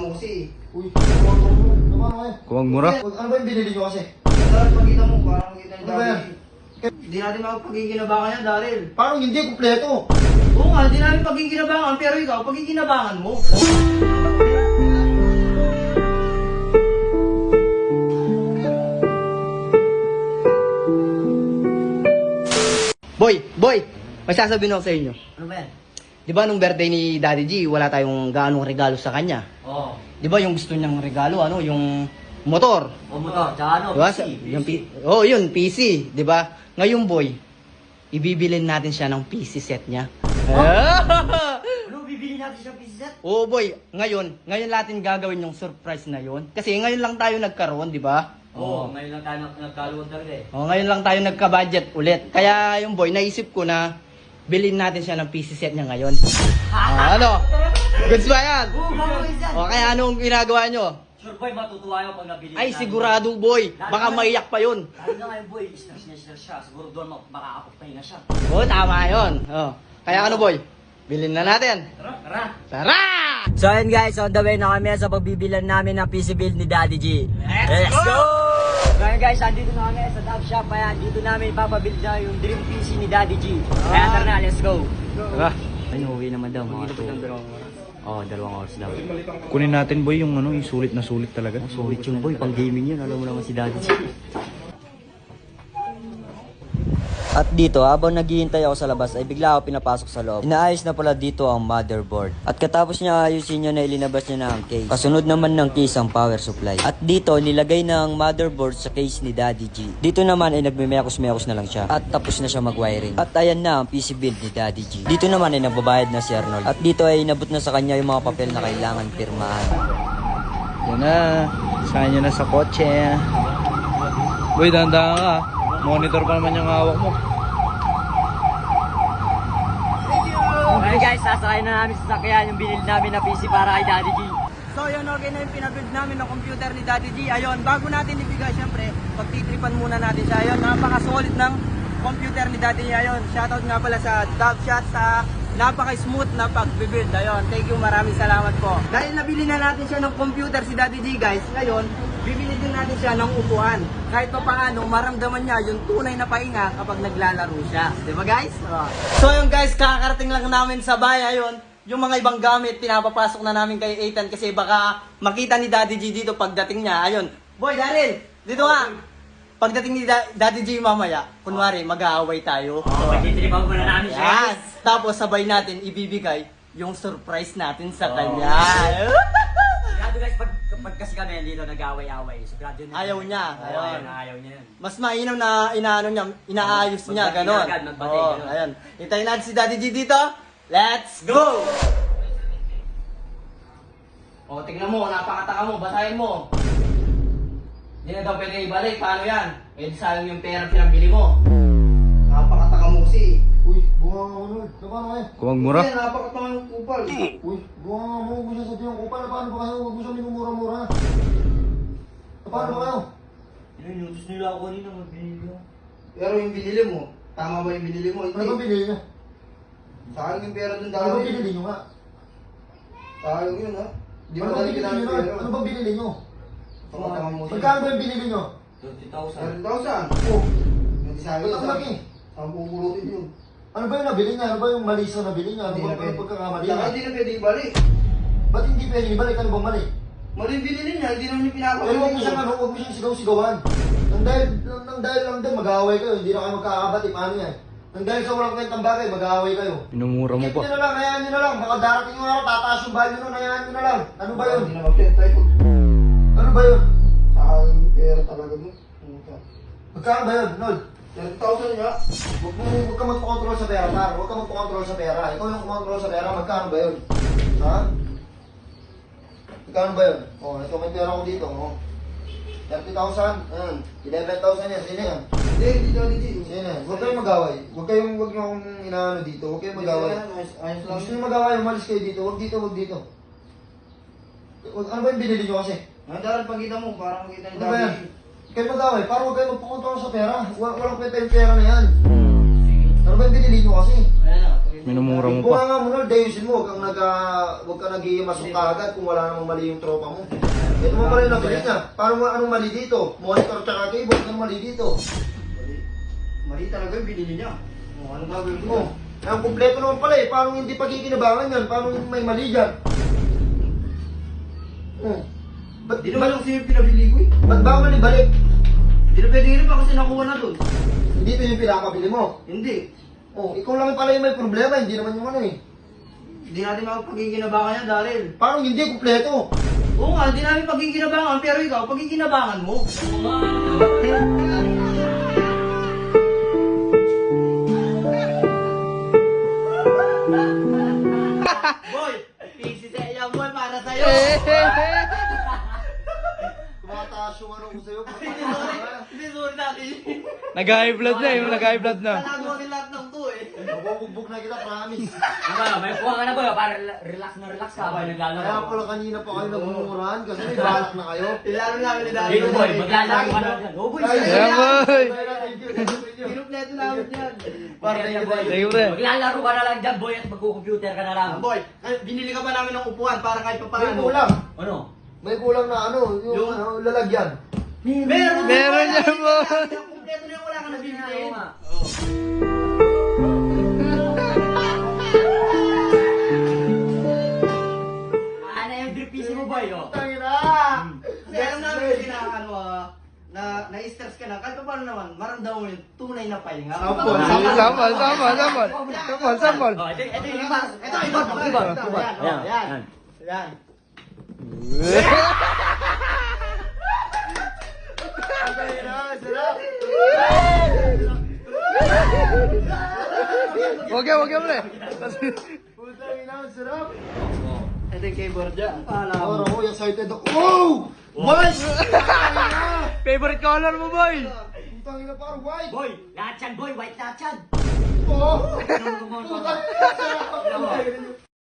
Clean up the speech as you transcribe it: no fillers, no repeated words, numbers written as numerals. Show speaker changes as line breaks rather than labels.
mo kasi.
Uy, naman eh.
Kuwag mura.
Ano ba yung binili nyo kasi?
Daryl, pagkita mo, parang makita ni
Ano ba yan?
Daryl. Hindi natin makapagkikinabangan yan, Daryl.
Parang hindi kumpleto.
Oo nga, hindi namin pagkikinabangan, pero ikaw, pagkikinabangan mo. Boy, may sasabihin ako sa inyo.
Ano ba yan?
Di ba nung birthday ni Daddy G, wala tayong gaanong regalo sa kanya?
Oo.
Di ba yung gusto niyang regalo, yung motor?
O motor, tsaka ano,
Diba?
PC.
Yun, PC. Di ba? Ngayon, boy, ibibilin natin siya ng PC set niya.
Ano, bibili natin siya PC set?
Oo, boy. Ngayon natin gagawin yung surprise na yun. Kasi ngayon lang tayo nagkaroon, di ba?
Oo, ngayon lang tayo nagkaluwag talaga eh.
Ngayon lang tayo nagka-budget ulit. Kaya yung boy, naisip ko na bilhin natin siya ng PC set niya ngayon. Ano? Goods ba yan?
Oo, gagawin yan.
Kaya anong ginagawa nyo?
Sure boy, matutuwa yung pag nabili
Ay,
natin.
sigurado boy. Baka maiyak pa yun.
Lalo na ngayon boy, stress siya. Siguro doon makakapagpahinga siya.
Oo, tama yun. Kaya ano boy? Bilhin na natin.
Tara!
Tara!
So ayun guys, on the way na kami sa pagbibilan namin ng PC build ni Daddy G. Let's go! So ayun guys, andito na kami sa Dove Shop. Kaya dito namin ipapabuild na yung dream PC ni Daddy G. Kaya tara na, let's go!
Tara.
Ay, uwi naman daw mga 2. Oo, 2 oras daw.
Kunin natin boy yung yung sulit na sulit talaga.
Sulit yung boy, pang gaming yun. Alam mo naman si Daddy G. At dito, habang naghihintay ako sa labas, ay bigla ako pinapasok sa loob. Inaayos na pala dito ang motherboard. At katapos niya ayusin niya na ilinabas niya na ang case. Kasunod naman ng case ang power supply. At dito, nilagay na ang motherboard sa case ni Daddy G. Dito naman ay nagmimekos-mekos na lang siya. At tapos na siya mag-wiring. At ayan na ang PC build ni Daddy G. Dito naman ay nagbabayad na si Arnold. At dito ay inabot na sa kanya yung mga papel na kailangan pirmahan.
Yan na. Saan nyo na sa kotse. Boy, dahan-dahan ka. Monitor pa naman yung hawak mo.
Okay guys, sasakay na namin sa sakyan yung binili namin na PC para kay Daddy G.
So yun, okay na yung pinabuild namin ng computer ni Daddy G. Ayun, bago natin ibigay, syempre, pagtitripan muna natin siya. Ayun, napaka-solid ng computer ni Daddy G. Ayun, shoutout nga pala sa Dove Shot sa napaka-smooth na pag-build. Ayun, thank you, maraming salamat po. Dahil nabili na natin siya ng computer si Daddy G, guys, ngayon, bibili din natin siya ng upuan. Kahit pa paano, maramdaman niya yung tunay na pahinga kapag naglalaro siya. Di ba guys? So yun guys, kakarating lang namin sa bahay. Ayun, yung mga ibang gamit, pinapapasok na namin kay Ethan kasi baka makita ni Daddy G dito pagdating niya. Ayun, boy, Daryl, dito nga. Pagdating ni Daddy G mamaya, kunwari, mag-aaway tayo.
Magtitripan muna namin siya.
Yan. Tapos sabay natin ibibigay yung surprise natin sa kanya.
Sigurado guys, pag kasi kami dito nag-away-away, sigurado yun.
Ayaw niya. Ayun.
Ayaw niya yun.
Mas mainam na inaayos niya,
Magbati
ganon.
na agad, magbati, ganon.
Ayan. Hintayin natin si Daddy G dito. Let's go! Tignan mo, napakataka mo, basahin mo. Hindi na daw pwede ibalik, paano yan? Sayang yung pera pinambili mo. Napakataka mo kasi.
Uy, bunga nga mo nun. Naman eh.
Kuwag mura.
Napakataka ng kupal.
Uy, bunga nga mo. Huwag mo siya sabihin ang kupal. Paano ba kayo? Huwag mo siya minumura-mura. Paano ba kayo?
Inutos nila ako kanina magbili ko.
Pero yung binili mo, tama ba yung binili mo?
Ano ba binili niya?
Sayang yung pera dun
Ano ba
dahil.
binili niyo nga?
Sayang yun ha. Di
Ano
mo
ba
dahil
binili
kinamit
niyo
pera.
nga? Ano ba binili niyo?
Napakataka mo siya.
Magkano ba yung binili niyo?
30,000.
30,000.
Oh,
Hindi sayang
ba't
yun.
ang laki?
Ang pupulutin yun.
Ano ba yung nabili niya? Ano ba yung mali sa nabili niya? Ano
Hindi
ba
na pwede.
yung pagkakamali
Saka
niya?
hindi na pwede ibalik.
Ba't hindi pwede ibalik? Ano bang mali?
Mali yung binili niya, hindi naman yung
Pero huwag mo
pinapakita.
siyang huwag mo siyang sigaw-sigawan. Nang dahil lang din, mag-aaway kayo. Hindi na kayo magkakabati. Paano yan? Nang dahil sa walang kwentang bagay, mag-aaway kayo.
Minumura mo
Keep
pa.
nyo na lang, hayaan nyo na lang. Baka darating yung araw, tataas yung value nun, hayaan nyo na lang. Ano ba yun?
Hindi na mag-penta yun.
Ano ba yun?
Sayang yung pera talaga mo.
Magkano ba yun, Nol?
30,000 nga.
Huwag ka magpakontrol sa pera, Tar. Huwag ka magpakontrol sa pera. Ikaw yung kumontrol sa pera, magkano ba yun? Ha? Magkano ba yun? Ito may pera ko dito, 30,000, 11,000 yan, sino yan?
Hindi Daddy G.
Sino yan? Huwag kayong mag-away. Huwag nyo akong inaano dito, huwag kayong mag-away.
Ayos lang.
Gusto nyo mag-away, umalis kayo dito, huwag dito. Ano ba yung binili nyo kasi?
Daryl, pagkita mo, parang makita ni
Ano ba yan?
Daddy G.
Kayo mag-away, para huwag kayo magpakontrol sa pera. Walang kwenta yung pera na yan. Ano ba yung binili nyo kasi?
Ayan na, pagkita
Minumura mo
Kung
pa.
nga muna, dayusin mo, huwag ka nag-iimasok kaagad kung wala namang mali yung tropa mo. Ito mo pala yung nabili niya. Paano mo anong mali dito? Monitor tsaka cable, anong mali dito?
Mali talaga yung binili niya. Anong gagawin
Oh, ang kumpleto naman pala eh. Paano hindi pagkikinabangan yan? Paano may mali dyan? Oh.
Di naman yung sa'yo pinabili ko eh.
Ba't ba ako manibalik?
Di na pwede rin pa kasi nakuha na doon.
Hindi ito yung pinakabili mo.
Hindi.
Oh, ikaw lang pala yung may problema, hindi naman yung ano eh.
Hindi natin mapagkikinabangan yan, Daryl.
Paano hindi kumpleto?
Oo nga, hindi namin pagkikinabangan, pero ikaw, pagkikinabangan mo. Boy, PC sa iya, boy, para sa'yo.
Tumataas yung ano ko sa'yo.
Hindi, sorry natin.
Nag-high blood na eh. Nag-high blood na.
Talago rin lahat ng to eh.
Mabubugbog na kita, promise.
May kuha ka na ba? Para relax na relax ka habang
Kaya
naglalaro.
pala kanina pa kayo nagmumurahan kasi may balak na kayo.
Ilalo namin ni Daryl.
Dito boy, maglalaro ka na dyan. Oh boy,
Yeah, boy.
Kinupleto namin yan.
Para na boy.
Thank you, pre.
maglalaro ka na lang dyan boy at magko-computer ka na lang.
Boy, binili ka ba namin ng upuan para kahit pa
May
paano?
kulang.
Ano?
May kulang na ano, yung ano, lalagyan.
Meron!
Meron yan, boy.
Kompleto na yung wala ka na bibili.
Oo nga. Ano yung drip PC mo boy? Oh?
Tangina!
Kasi alam namin kasi na ano na-stress ka na. Kahit pa paano naman, maramdaman mo yung tunay na pahinga.
Sample.
Sample, sample, sample. Sample, sample.
Oh, ito yung iba.
Ito, iba.
Ayan,
Yan.
ayan.
Yan.
Tangina, sarap!
Wag yan, pre.
Tangina, sarap!
Ito yung keyboard dyan. Paala mo.
Oro, oh, excited ako. Wow! Boys!
Favorite color mo, boy.
Tangina, parang white!
Boy, lahat yan boy, white lahat yan.
Oh!